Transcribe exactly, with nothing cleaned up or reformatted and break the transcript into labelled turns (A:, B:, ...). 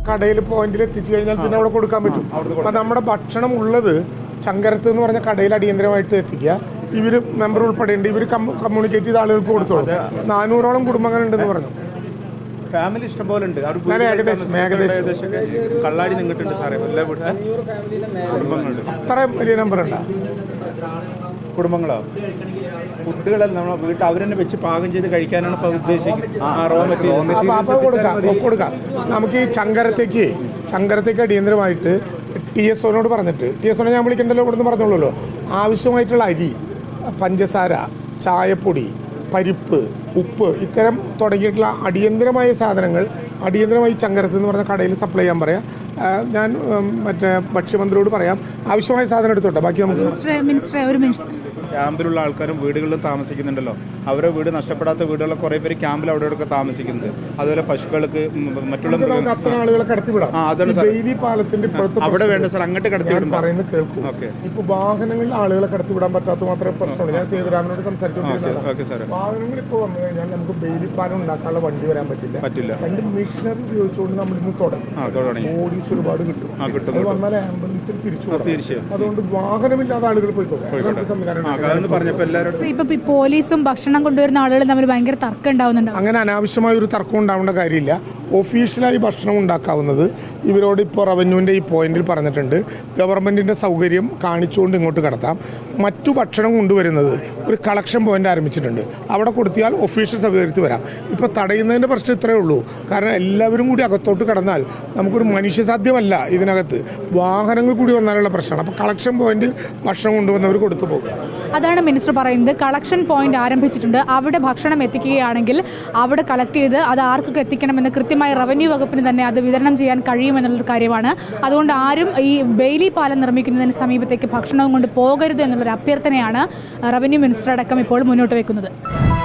A: കടയിൽ പോയിന്റിൽ എത്തിച്ചു കഴിഞ്ഞാൽ പിന്നെ അവിടെ കൊടുക്കാൻ പറ്റും. അപ്പം നമ്മുടെ ഭക്ഷണം ഉള്ളത് ചങ്കരത്ത് എന്ന് പറഞ്ഞ കടയിൽ അടിയന്തരമായിട്ട് എത്തിക്കുക. ഇവർ മെമ്പർ ഉൾപ്പെടെയുണ്ട്, ഇവർ കമ്മ്യൂണിക്കേറ്റ് ചെയ്ത ആളുകൾക്ക് കൊടുത്തോളൂ. നാനൂറോളം കുടുംബങ്ങളുണ്ടെന്ന് പറഞ്ഞു.
B: ഫാമിലി ഇഷ്ടംപോലെ ഉണ്ട്.
A: ഏകദേശം ഏകദേശം
B: കള്ളാടി നിന്നിട്ടുണ്ട് സാറേ. എല്ലാ വീട്ടിലും കുടുംബങ്ങളുണ്ട്.
A: അത്ര വലിയ നമ്പർ ഉണ്ടോ
B: കുടുംബങ്ങളോ? ഫുഡുകളെല്ലാം നമ്മൾ വീട്ടിൽ അവർ തന്നെ വെച്ച് പാകം ചെയ്ത് കഴിക്കാനാണ് ഇപ്പോൾ ഉദ്ദേശിക്കുന്നത്. ആ റോ മെറ്റീരിയൽ
A: അപ്പോൾ കൊടുക്കാം കൊടുക്കാം നമുക്ക്. ഈ ചങ്കരത്തേക്ക് ചങ്കരത്തേക്ക് അടിയന്തരമായിട്ട് ടി എസ് ഒനോട് പറഞ്ഞിട്ട്, ടി എസ് ഒനെ ഞാൻ വിളിക്കണ്ടല്ലോ, ഇവിടുന്ന് പറഞ്ഞോളൂല്ലോ, ആവശ്യമായിട്ടുള്ള അരി, പഞ്ചസാര, ചായപ്പൊടി, പരിപ്പ്, ഉപ്പ്, ഇത്തരം തുടങ്ങിയിട്ടുള്ള അടിയന്തരമായ സാധനങ്ങൾ അടിയന്തരമായി ചങ്കരത്ത് എന്ന് പറഞ്ഞ കടയിൽ സപ്ലൈ ചെയ്യാൻ പറയാം. ഞാൻ മറ്റേ ഭക്ഷ്യമന്ത്രിയോട് പറയാം ആവശ്യമായ സാധനം എടുത്തോട്ടെ. ബാക്കി നമുക്ക്
B: ക്യാമ്പിലുള്ള ആൾക്കാരും വീടുകളിലും താമസിക്കുന്നുണ്ടല്ലോ. അവരുടെ വീട് നഷ്ടപ്പെടാത്ത വീടുകളിൽ കുറേ പേര് ക്യാമ്പിൽ അവിടെ ഒക്കെ താമസിക്കുന്നുണ്ട്. അതുപോലെ പശുക്കൾക്ക് മറ്റുള്ള
A: ആളുകളെ കടത്തിവിടാം. അവിടെ
B: വേണ്ട സാർ, അങ്ങോട്ട് കടത്തിവിടും
A: പറയുന്നത് കേൾക്കും. ഇപ്പൊ വാഹനങ്ങളിൽ ആളുകളെ കടത്തിവിടാൻ പറ്റാത്ത മാത്രമേ പ്രശ്നമുള്ളൂ. ഞാൻ സേതുരാമനോട് സംസാരിച്ചു. വാഹനങ്ങൾ ഇപ്പോൾ വന്നു കഴിഞ്ഞാൽ നമുക്ക് ബെയിലി പാലം ഉണ്ടാക്കാനുള്ള വണ്ടി വരാൻ പറ്റില്ല പറ്റില്ല രണ്ട് മെഷീനറി ഉപയോഗിച്ചുകൊണ്ട് നമ്മൾ ഇന്ന് തുടങ്ങി ഓഡീസ് ഒരുപാട് കിട്ടും. അത് വന്നാൽ ആംബുലൻസിൽ തിരിച്ചു. അതുകൊണ്ട് വാഹനമില്ലാത്ത ആളുകൾ പോയിക്കോട്ടെ. സംവിധാനം
C: ഇപ്പൊ പോലീസും ഭക്ഷണം കൊണ്ടുവരുന്ന ആളുകൾ തമ്മിൽ ഭയങ്കര തർക്കം ഉണ്ടാവുന്നുണ്ട്.
A: അങ്ങനെ അനാവശ്യമായ ഒരു തർക്കം ഉണ്ടാവേണ്ട കാര്യമില്ല. ഒഫീഷ്യലായി ഭക്ഷണം ഉണ്ടാക്കാവുന്നത് ഇവരോട് ഇപ്പോൾ റവന്യൂവിൻ്റെ ഈ പോയിന്റിൽ പറഞ്ഞിട്ടുണ്ട്. ഗവൺമെൻറ്റിൻ്റെ സൗകര്യം കാണിച്ചുകൊണ്ട് ഇങ്ങോട്ട് കടത്താം. മറ്റു ഭക്ഷണം കൊണ്ടുവരുന്നത് ഒരു കളക്ഷൻ പോയിന്റ് ആരംഭിച്ചിട്ടുണ്ട്. അവിടെ കൊടുത്തിയാൽ ഒഫീഷ്യൽ സൗകര്യത്തിൽ വരാം. ഇപ്പോൾ തടയുന്നതിൻ്റെ പ്രശ്നം ഇത്രയേ ഉള്ളൂ. കാരണം എല്ലാവരും കൂടി അകത്തോട്ട് കടന്നാൽ നമുക്കൊരു മനുഷ്യസാധ്യമല്ല. ഇതിനകത്ത് വാഹനങ്ങൾ കൂടി വന്നാലുള്ള പ്രശ്നമാണ്. അപ്പോൾ കളക്ഷൻ പോയിന്റിൽ ഭക്ഷണം കൊണ്ടുവന്നവർ കൊടുത്തു പോകും.
C: അതാണ് മിനിസ്റ്റർ പറയുന്നത്. കളക്ഷൻ പോയിന്റ് ആരംഭിച്ചിട്ടുണ്ട്. അവിടെ ഭക്ഷണം എത്തിക്കുകയാണെങ്കിൽ അവിടെ കളക്ട് ചെയ്ത് അത് ആർക്കൊക്കെ എത്തിക്കണമെന്ന് കൃത്യമായി റവന്യൂ വകുപ്പിന് തന്നെ അത് വിതരണം ചെയ്യാൻ കഴിയുമെന്നുള്ളൊരു കാര്യമാണ്. അതുകൊണ്ട് ആരും ഈ ബെയിലി പാലം നിർമ്മിക്കുന്നതിന് സമീപത്തേക്ക് ഭക്ഷണവും കൊണ്ട് പോകരുത് എന്നുള്ളൊരു അഭ്യർത്ഥനയാണ് റവന്യൂ മിനിസ്റ്റർ അടക്കം ഇപ്പോൾ മുന്നോട്ട് വെക്കുന്നത്.